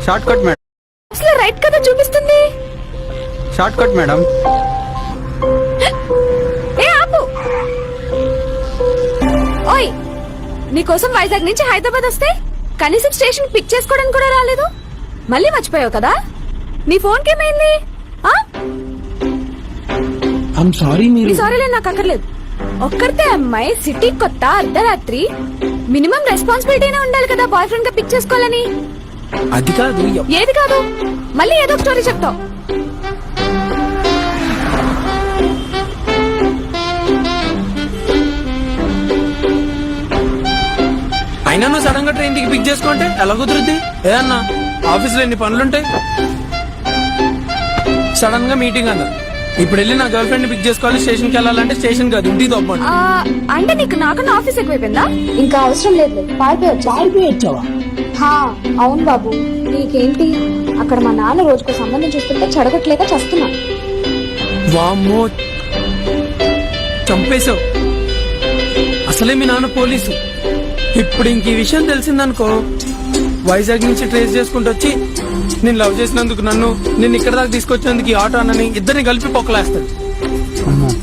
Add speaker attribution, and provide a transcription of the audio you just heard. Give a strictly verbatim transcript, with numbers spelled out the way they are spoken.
Speaker 1: Short cut madam.
Speaker 2: అసలు right కదా చూపిస్తుంది.
Speaker 1: Short cut madam.
Speaker 2: ఏ ఆపు. ఓయ్, నీకోసం వైజాగ్ నుంచి హైదరాబాద్ వస్తే కనీసం స్టేషన్ పిక్ చేసుకోవడానికి కూడా రాలేదు. మళ్ళీ మర్చిపోయావు కదా. నీ ఫోన్ కేమైంది?
Speaker 3: సారీ
Speaker 2: నీ సారీలే నాకు అక్కర్లేదు. ఒక్కరితే అమ్మాయి, సిటీ కొత్త, అర్ధరాత్రి, మినిమం రెస్పాన్సిబిలిటీనే ఉండాలి కదా బాయ్ ఫ్రెండ్ గా పిక్ చేసుకోవాలని.
Speaker 3: అది కాదు.
Speaker 2: ఏది కాదు? మళ్ళీ ఏదో స్టోరీ చెప్తావు.
Speaker 3: అయినా నువ్వు సడన్ గా ట్రైన్ కి పిక్ చేసుకుంటే ఎలా కుదురుద్ది? ఏ అన్నా, ఆఫీస్ లో ఎన్ని పనులుంటాయి. సడన్ గా మీటింగ్ అన్నా, ఇప్పుడు వెళ్ళి నా గర్ల్ ఫ్రెండ్ పిక్ చేసుకోవాలి, స్టేషన్ కి వెళ్ళాలంటే స్టేషన్ కాదు ఇంటికి తప్పండి.
Speaker 2: అంటే నీకు నాకన్నా ఆఫీస్ ఎక్కువైపోయిందా?
Speaker 4: ఇంకా అవసరం లేదు, పారిపోయొచ్చావా? అవును బాబు, నీకేంటి అక్కడ మా నాన్న రోజుకు సంబంధం చూస్తుంటే చెడగొట్టలేక చస్తున్నా.
Speaker 3: వామ్మో, చంపేశావు. అసలే మీ నాన్న పోలీసు. ఇప్పుడు ఇంక ఈ విషయం తెలిసిందనుకో, వైజాగ్ నుంచి ట్రేస్ చేసుకుంటూ వచ్చి నేను లవ్ చేసినందుకు నన్ను, నేను ఇక్కడ దాకా తీసుకొచ్చినందుకు ఈ ఆటో అన్నని ఇద్దరిని కలిపి పొక్కలేస్తాడు.